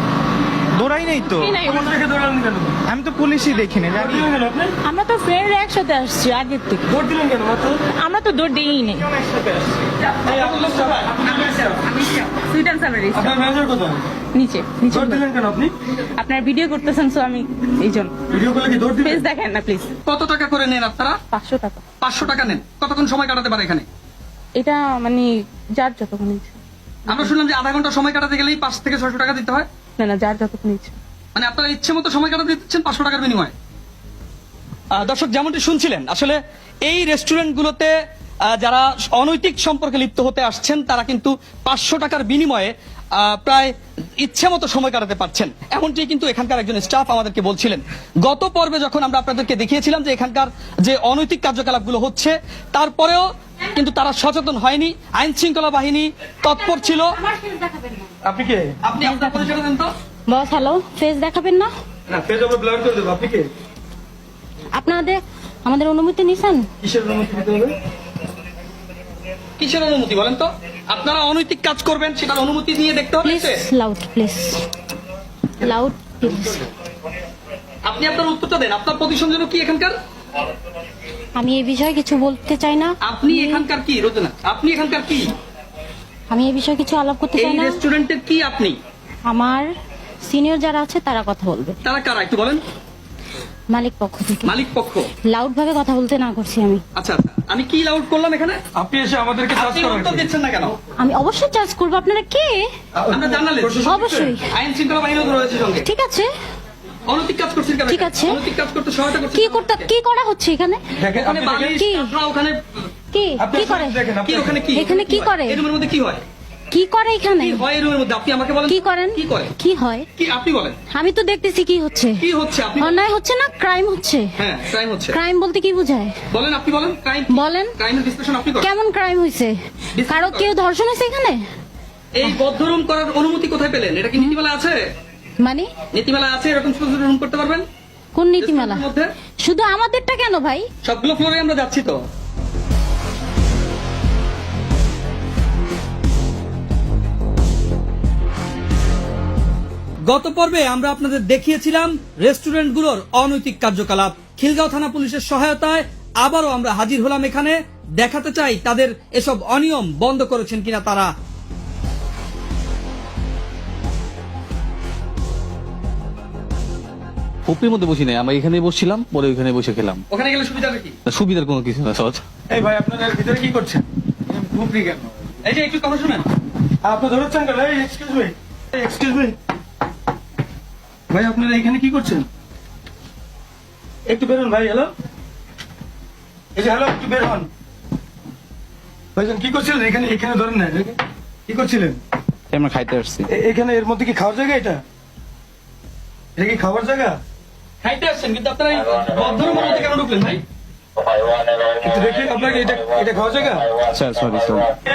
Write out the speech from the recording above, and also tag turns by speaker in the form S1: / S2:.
S1: দৌড়াই নাই তো,
S2: পুলিশ দেখে দৌড়ালেন কেন?
S1: আমি তো পুলিশই দেখিনি
S2: দৌড়
S1: জানি।
S2: দিলেন কেন আপনি?
S3: আমরা তো ফ্রেন্ডরা একসাথে আসছি আগের থেকে।
S2: দৌড় দিলেন কেন মাত্র?
S3: আমরা তো দৌড় দিই নেই।
S2: এই আপনার সবাই?
S3: সুইট অ্যান্ড সাভারি
S2: আপনার ম্যানেজার কোথায়?
S3: নিচে নিচে
S2: দৌড় দিলেন কেন আপনি?
S3: আপনার ভিডিও করতেছেন, সো আমি এই জন্য।
S2: ভিডিও করলে কি দৌড় দিলেন?
S3: প্লিজ দেখেন না প্লিজ।
S4: কত টাকা করে নেন আপনারা?
S3: 500 টাকা।
S4: 500 টাকা নেন। কতক্ষণ সময় কাটাতে পারে এখানে?
S3: এটা মানে যার যতক্ষণ ইচ্ছে।
S4: আমরা শুনলাম যে আধা ঘন্টা সময় কাটাতে গেলেই 5 থেকে 600 টাকা দিতে হয়।
S3: না না, যার যতক্ষণ ইচ্ছে।
S4: মানে আপনারা ইচ্ছে মতো সময় কাটাতে দিচ্ছেন 500 টাকার বিনিময়ে। দর্শক যেমনটি শুনছিলেন, আসলে এই রেস্টুরেন্টগুলোতে যারা অনৈতিক সম্পর্কে লিপ্ত হতে আসছেন তারা কিন্তু 500 টাকার বিনিময়ে প্রায় ইচ্ছে মতো সময় কাটাতে পারছেন, এমনটি কিন্তু এখানকার একজন স্টাফ আমাদেরকে বলছিলেন। গত পর্বে যখন আমরা আপনাদেরকে দেখিয়েছিলাম যে এখানকার যে অনৈতিক কার্যকলাপগুলো হচ্ছে, তারপরেও কিন্তু তারা সচেতন হয়নি, আইন শৃঙ্খলা বাহিনী তৎপর ছিল।
S2: আপনি কে?
S4: আপনি আপনার পরিচয় দেন তো।
S5: বস হ্যালো, ফেস দেখাবেন না?
S2: না, ফেজ আমরা ব্লার করে দেবো। আপনি কে?
S5: আপনাদের আমাদের অনুমতি নিছেন?
S2: কিসের অনুমতি দিতে হবে?
S4: কিসের অনুমতি বলেন তো? আপনারা অনৈতিক কাজ করবেন সেটার অনুমতি নিয়ে দেখতে হবে।
S5: Please loud, please loud please.
S4: আপনি আপনার উত্তরটা দেন। আপনার প্রতিষ্ঠান যেন কি এখানকার?
S5: আমি এই বিষয়ে কিছু বলতে চাই না।
S4: আপনি এখানকার কি রোজনা? আপনি এখানকার কি?
S5: আমি এই বিষয়ে কিছু আলাপ করতে
S4: এই
S5: চাই না।
S4: রেস্টুরেন্টের কি আপনি?
S5: আমার সিনিয়র যারা আছে তারা কথা বলবে,
S4: তারা কারা একটু বলেন।
S5: মালিক পক্ষ থেকে।
S4: মালিক পক্ষ।
S5: লাউড ভাবে কথা বলতে না করছি আমি।
S4: আচ্ছা আচ্ছা, আমি কি লাউড করলাম এখানে?
S2: আপনি এসে আমাদেরকে চার্জ
S4: আপনি
S2: করেন
S4: উত্তর দিচ্ছেন না কেন?
S5: আমি অবশ্যই চার্জ করবো। আপনারা কে?
S4: আমরা জার্নালিস্ট।
S5: অবশ্যই।
S4: আইন শৃঙ্খলা বাহিনীও রয়েছে সঙ্গে।
S5: ঠিক আছে,
S4: অনৈতিক কাজ করছেন কেন?
S5: ঠিক আছে।
S4: অনৈতিক কাজ করতে সহায়তা করছেন
S5: কি করা হচ্ছে এখানে?
S2: দেখেন,
S4: ওখানে
S2: আপনি
S4: বাঙালি
S2: দেখেন,
S5: কি?
S4: স্টাফরা ওখানে
S5: কি
S2: আপনি
S5: কি করে?
S2: দেখেন,
S4: কি ওখানে কি?
S5: এখানে কি করে?
S4: এই রুমের মধ্যে কি হয়?
S5: কি করে এখানে?
S4: কি হয় এই রুমের মধ্যে? আপনি আমাকে বলেন।
S5: কি করেন?
S4: কি করে?
S5: কি হয়?
S4: কি আপনি বলেন।
S5: আমি তো দেখতেছি কি হচ্ছে।
S4: কি হচ্ছে আপনি?
S5: অন্যায় হচ্ছে না, ক্রাইম হচ্ছে।
S4: হ্যাঁ, ক্রাইম হচ্ছে।
S5: ক্রাইম বলতে কি বোঝায়?
S4: বলেন, আপনি বলেন। ক্রাইম
S5: বলেন।
S4: ক্রাইমের বিশ্লেষণ আপনি করেন।
S5: কেমন ক্রাইম হয়েছে? কারো কেউ ধর্ষণ হয়েছে এখানে?
S4: এই বদ্ধ রুম করার অনুমতি কোথায় পেলেন? এটা কি নীতিমালা আছে?
S5: মানে
S4: নীতিমালা আছে এরকম ছোট ছোট রুম করতে পারবেন?
S5: কোন নীতিমালা?
S4: রেস্টুরেন্টের মধ্যে
S5: শুধু আমাদেরটা কেন ভাই?
S4: সবগুলো ফ্লোরে আমরা যাচ্ছি তো। গত পর্বে আমরা আপনাদের দেখিয়েছিলাম রেস্টুরেন্টগুলোর অনৈতিক কার্যকলাপ। খিলগাঁও থানা পুলিশের সহায়তায় আবারও আমরা হাজির হলাম এখানে, দেখাতে চাই তাদের এসব অনিয়ম বন্ধ করেছেন কিনা তারা।
S6: হোপের মধ্যে বসি নাই, আমরা এখানে বসছিলাম, পরে ওইখানে বসে খেলাম।
S4: ওখানে গেলে সুবিধা কি?
S6: সুবিধার কোনো কিছু না সহজ।
S2: এই ভাই, আপনারা এর ভিতরে কি করছেন? ঘুমরি কেন?
S4: এই যে একটু কথা শুনেন।
S2: আপনি ধরেছেন কেন? এই এক্সকিউজ মি, এক্সকিউজ মি ভাই, আপনারা এখানে কি করছেন? একটু বেরোন ভাই। হ্যালো, এই যে হ্যালো, একটু বের হন ভাইজান। কি করছিলেন এখানে? এখানে ধরেন না, কি করছিলেন?
S6: আমরা খাইতে আসছি।
S2: এখানে এর মধ্যে কি খাওয়ার জায়গা? এটা এটা কি খাওয়ার জায়গা?
S4: খাইতে আসছেন কিন্তু আপনারা এই বদ্ধ রুমের মধ্যে কেন ঢুকলেন ভাই?
S2: একটু দেখি আপনাকে, এটা এটা খাওয়ার জায়গা?
S6: Sir sorry sir.